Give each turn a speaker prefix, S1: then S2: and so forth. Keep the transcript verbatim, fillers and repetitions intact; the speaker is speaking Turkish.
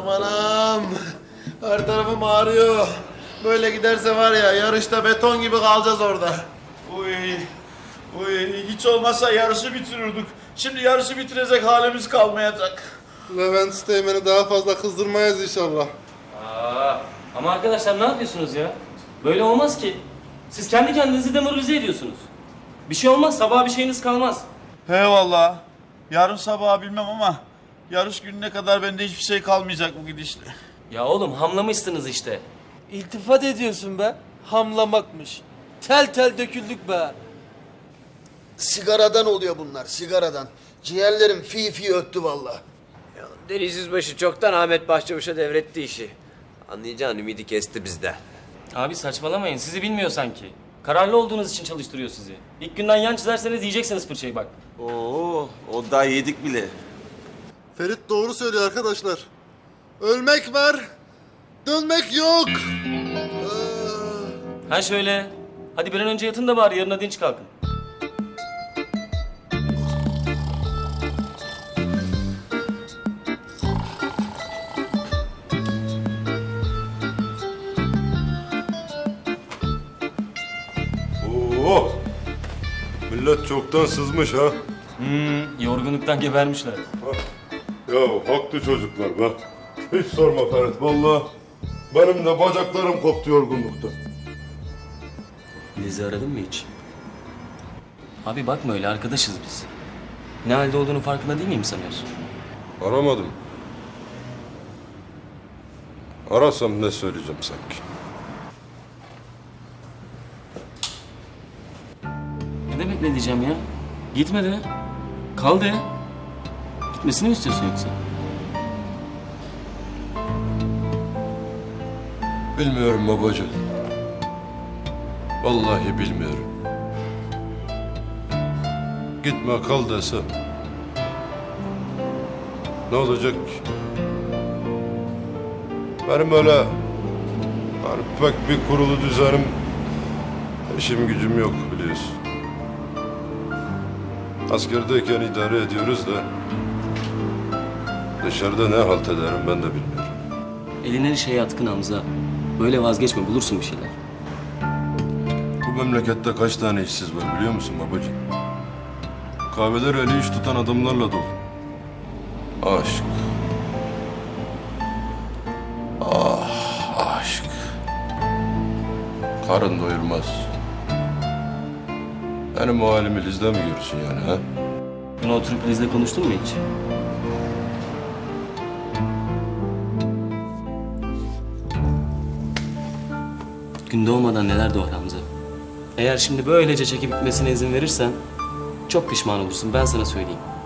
S1: anam. Her tarafım ağrıyor. Böyle giderse var ya yarışta beton gibi kalacağız orada.
S2: Uy, uy, hiç olmazsa yarışı bitirirdik. Şimdi yarışı bitirecek halimiz kalmayacak.
S1: Levent Steğmen'i daha fazla kızdırmayız inşallah.
S3: Aa, ama arkadaşlar ne yapıyorsunuz ya? Böyle olmaz ki. Siz kendi kendinizi demoralize ediyorsunuz. Bir şey olmaz, sabaha bir şeyiniz kalmaz.
S2: He vallahi. Yarın sabah bilmem ama yarış gününe kadar bende hiçbir şey kalmayacak bu gidişle.
S3: Ya oğlum hamlamışsınız işte.
S4: İltifat ediyorsun be. Hamlamakmış. Tel tel döküldük be.
S5: Sigaradan oluyor bunlar, sigaradan. Ciğerlerim fi fi öttü vallahi.
S6: Deniz Yüzbaşı çoktan Ahmet Başçavuş'a devretti işi. Anlayacağın ümidi kesti bizde.
S3: Abi saçmalamayın, sizi bilmiyor sanki. Kararlı olduğunuz için çalıştırıyor sizi. İlk günden yan çizerseniz yiyeceksiniz fırçayı bak.
S7: Oo, o daha yedik bile.
S1: Ferit doğru söylüyor arkadaşlar. Ölmek var, dönmek yok.
S3: Ha şöyle. Hadi bir an önce yatın da bari yarına dinç kalkın.
S8: Oo, millet çoktan sızmış ha.
S3: Hmm, yorgunluktan gebermişler.
S8: Ya haklı çocuklar be. Hiç sorma Ferit vallahi. Benim de bacaklarım koptu yorgunluktan.
S3: Liz'i aradın mı hiç? Abi bakma öyle, arkadaşız biz. Ne halde olduğunu farkında değil miyim sanıyorsun?
S8: Aramadım. Arasam ne söyleyeceğim sanki.
S3: Ne demek ne diyeceğim ya? Gitme de. Kal de. Gitmesini mi istiyorsun yoksa?
S8: Bilmiyorum babacığım. Vallahi bilmiyorum. Gitme kal desem. Ne olacak ki? Benim öyle yani pek bir kurulu düzenim, işim gücüm yok biliyorsun. Askerdeyken idare ediyoruz da dışarıda ne halt ederim ben de bilmiyorum.
S3: Eline şey yatkın Hamza. Böyle vazgeçme, bulursun bir şeyler.
S8: Bu memlekette kaç tane işsiz var biliyor musun babacığım? Kahveler eli iş tutan adamlarla dolu. Aşk. Ah aşk. Karın doyurmaz. Benim o halimi Liz'de mi görürsün yani ha?
S3: Bunu oturup Liz'le konuştun mu hiç? Gün doğmadan neler doğar Hamza. Eğer şimdi böylece çekip gitmesine izin verirsen çok pişman olursun, ben sana söyleyeyim.